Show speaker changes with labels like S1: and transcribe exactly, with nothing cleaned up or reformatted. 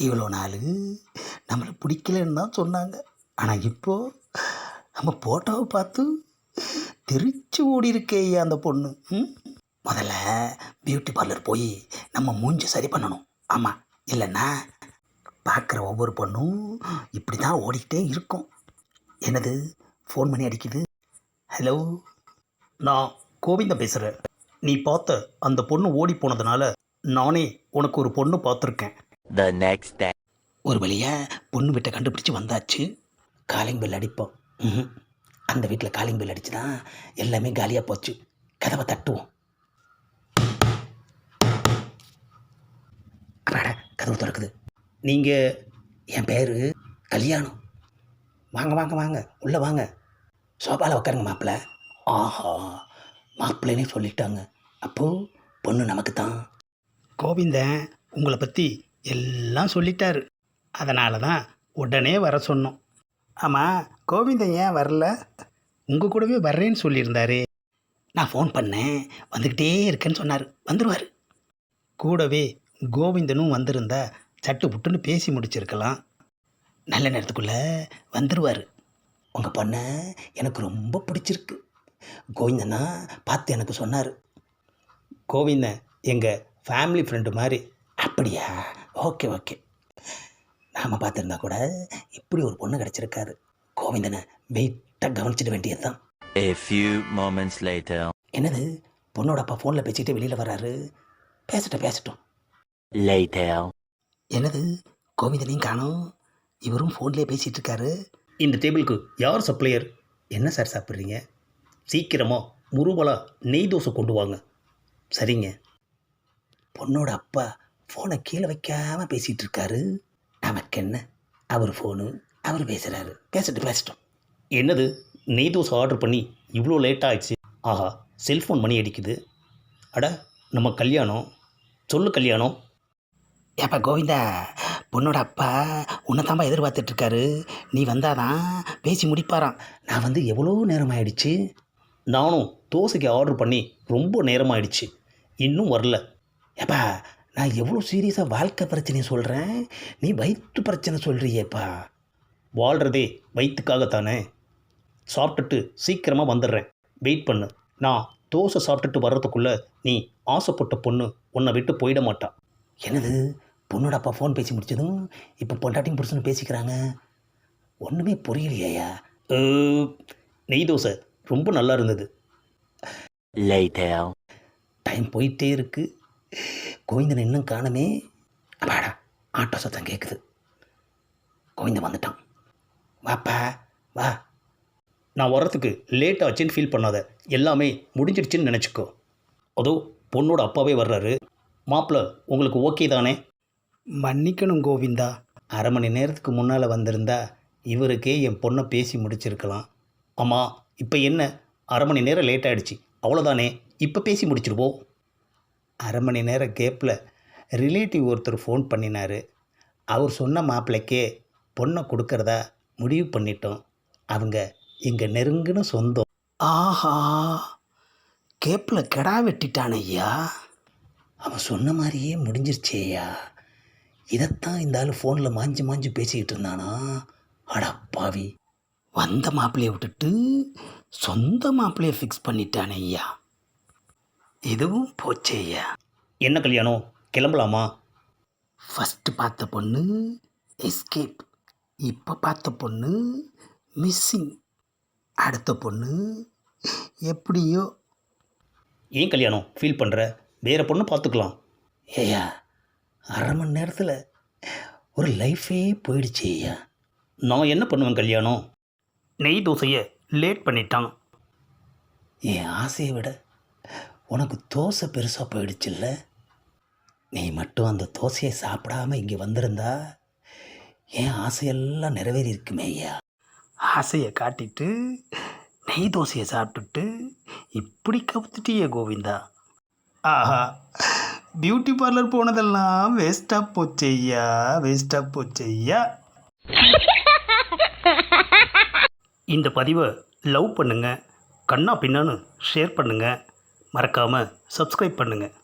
S1: இவ்வளோ நாள் நம்மளை பிடிக்கலன்னு தான் சொன்னாங்க. ஆனால் இப்போது நம்ம ஃபோட்டோவை பார்த்து தெரிச்சு ஓடி இருக்கே அந்த பொண்ணு. ம் முதல்ல பியூட்டி பார்லர் போய் நம்ம மூஞ்சி சரி பண்ணணும். ஆமாம், இல்லைன்னா பார்க்குற ஒவ்வொரு பொண்ணும் இப்படி தான் ஓடிக்கிட்டே இருக்கும். என்னது ஃபோன் பண்ணி அடிக்குது? ஹலோ, நான் கோவிந்தன் பேசுகிறேன். நீ பார்த்த அந்த பொண்ணு ஓடி போனதுனால நானே உனக்கு ஒரு பொண்ணு பார்த்துருக்கேன்.
S2: The next day.
S1: ஒரு வழியாக பொண்ணு வீட்டை கண்டுபிடிச்சி வந்தாச்சு. காலிங் பெல் அடிப்போம். ம் அந்த வீட்டில் காலிங் பெல் அடிச்சு தான் எல்லாமே காலியாக போச்சு. கதவை தட்டுவோம். அப்பாடா, கதவு திறக்குது. நீங்கள், என் பேர் கல்யாணம். வாங்க வாங்க வாங்க உள்ளே வாங்க. சோபாவில் உட்காருங்க மாப்பிள்ளை. ஆஹா, மாப்பிள்ளைனே சொல்லிட்டாங்க. அப்போது பொண்ணு நமக்கு தான். கோவிந்தன் உங்களை பற்றி எல்லாம் சொல்லிட்டாரு. அதனால தான் உடனே வர சொன்னோம். ஆமாம், கோவிந்தன் ஏன் வரல? உங்கள் கூடவே வர்றேன்னு சொல்லியிருந்தாரு. நான் ஃபோன் பண்ணேன், வந்துக்கிட்டே இருக்கேன்னு சொன்னார். வந்துடுவார். கூடவே கோவிந்தனும் வந்திருந்தா சட்டு புட்டுன்னு பேசி முடிச்சிருக்கலாம். நல்ல நேரத்துக்குள்ளே வந்துடுவார். உங்கள் பொண்ணை எனக்கு ரொம்ப பிடிச்சிருக்கு. கோவிந்தனா பார்த்து எனக்கு சொன்னார். கோவிந்தன் எங்கள் ஃபேமிலி ஃப்ரெண்டு மாதிரி. அப்படியா? Okay okay. நாம் பார்த்துருந்தா கூட இப்படி ஒரு பொண்ணு கிடச்சிருக்காரு. கோவிந்தனை வெயிட்டாக கவனிச்சிட வேண்டியது தான்.
S2: A few moments later.
S1: என்னது, பொண்ணோட அப்பா ஃபோனில் பேசிக்கிட்டே வெளியில் வர்றாரு. பேசட்டும் பேசட்டும்.
S2: Later.
S1: என்னது, கோவிந்தனையும் காணோம். இவரும் ஃபோன்லேயே பேசிகிட்டு இருக்காரு. இந்த டேபிளுக்கு யார் சப்ளையர்? என்ன சார் சாப்பிட்றீங்க? சீக்கிரமாக முருவலா நெய் தோசை கொண்டு வாங்க. சரிங்க. பொண்ணோட அப்பா ஃபோனை கீழே வைக்காமல் பேசிகிட்டு இருக்காரு. நமக்கு என்ன, அவர் ஃபோனு, அவர் பேசுகிறாரு. பேசட்டும் பேசட்டும். என்னது, நெய் தோசை ஆர்டர் பண்ணி இவ்வளோ லேட் ஆகிடுச்சு. ஆஹா, செல்ஃபோன் மணி அடிக்குது. அட, நம்ம கல்யாணம். சொல்லு கல்யாணம். ஏப்பா கோவிந்தா, பொண்ணோட அப்பா உன்னை தான்ப்பா எதிர்பார்த்துட்ருக்காரு. நீ வந்தாதான் பேசி முடிப்பாராம். நான் வந்து எவ்வளோ நேரம் ஆயிடுச்சு. நானும் தோசைக்கு ஆர்டர் பண்ணி ரொம்ப நேரம் ஆயிடுச்சு, இன்னும் வரல. ஏப்பா, நான் எவ்வளோ சீரியஸாக வாழ்க்கை பிரச்சனையை சொல்கிறேன், நீ வயிற்று பிரச்சனை சொல்கிறியேப்பா. வாழ்கிறதே வயிற்றுக்காகத்தானே. சாப்பிட்டுட்டு சீக்கிரமாக வந்துடுறேன், வெயிட் பண்ணு. நான் தோசை சாப்பிட்டுட்டு வர்றதுக்குள்ளே நீ ஆசைப்பட்ட பொண்ணு உன்னை விட்டு போயிட மாட்டா. என்னது, பொண்ணோட அப்பா ஃபோன் பேசி முடிச்சதும் இப்போ பொண்டாட்டியும் புருஷனும் பேசிக்கிறாங்க. ஒன்றுமே புரியலையா? நெய் தோசை ரொம்ப நல்லா இருந்தது.
S2: Later.
S1: டைம் போயிட்டே இருக்கு. கோவிந்தன் இன்னும் காணுமே. அப்பாடா, ஆட்டோ சத்தம் கேட்குது. கோவிந்தன் வந்துட்டான். வாப்பா வா. நான் வர்றதுக்கு லேட் ஆச்சுன்னு ஃபீல் பண்ணாத, எல்லாமே முடிஞ்சிடுச்சுன்னு நினச்சிக்கோ. அதோ பொண்ணோட அப்பாவே வர்றாரு. மாப்பிள்ளை உங்களுக்கு ஓகே தானே? மன்னிக்கணும் கோவிந்தா, அரை மணி நேரத்துக்கு முன்னால் வந்திருந்தா இவருக்கே என் பொண்ணை பேசி முடிச்சிருக்கலாம். ஆமாம், இப்போ என்ன, அரை மணி நேரம் லேட் ஆகிடுச்சு, அவ்வளோதானே. இப்போ பேசி முடிச்சிருவோம். அரை மணி நேரம் கேப்பில் ரிலேட்டிவ் ஒருத்தர் ஃபோன் பண்ணினார். அவர் சொன்ன மாப்பிள்ளைக்கே பொண்ணை கொடுக்கறதா முடிவு பண்ணிட்டோம். அவங்க எங்கள் நெருங்கின சொந்தம். ஆஹா, கேப்பில் கெடா வெட்டிட்டான் ஐயா. அவன் சொன்ன மாதிரியே முடிஞ்சிருச்சேயா. இதைத்தான் இந்த ஆள் ஃபோனில் மாஞ்சி மாஞ்சி பேசிக்கிட்டு இருந்தானா? அடப்பாவி, வந்த மாப்பிள்ளையை விட்டுட்டு சொந்த மாப்பிள்ளையை ஃபிக்ஸ் பண்ணிட்டானே ஐயா. இதுவும் போச்சே ஐயா. என்ன கல்யாணம், கிளம்பலாமா? ஃபஸ்ட்டு பார்த்த பொண்ணு எஸ்கேப், இப்போ பார்த்த பொண்ணு மிஸ்ஸிங், அடுத்த பொண்ணு எப்படியோ. ஏன் கல்யாணம் ஃபீல் பண்ணுற? வேறு பொண்ணு பார்த்துக்கலாம். ஏய்யா, அரை மணி நேரத்தில் ஒரு லைஃபே போயிடுச்சு ஐயா. நான் என்ன பண்ணுவேன் கல்யாணம்? நெய் தோசையை லேட் பண்ணிட்டான். என் ஆசையை விட உனக்கு தோசை பெருசாக போயிடுச்சுல்ல. நீ மட்டும் அந்த தோசையை சாப்பிடாமல் இங்கே வந்திருந்தா என் ஆசையெல்லாம் நிறைவேறி இருக்குமே ஐயா. ஆசையை காட்டிட்டு நெய் தோசையை சாப்பிட்டுட்டு இப்படி கவுத்துட்டியே கோவிந்தா. ஆஹா, பியூட்டி பார்லர் போனதெல்லாம் வேஸ்ட்டாக போச்சையா, வேஸ்ட்டாக போச்சையா. இந்த பதிவை லவ் பண்ணுங்கள், கண்ணா பின்னான்னு ஷேர் பண்ணுங்கள், மறக்காமல் சப்ஸ்கிரைப் பண்ணுங்கள்.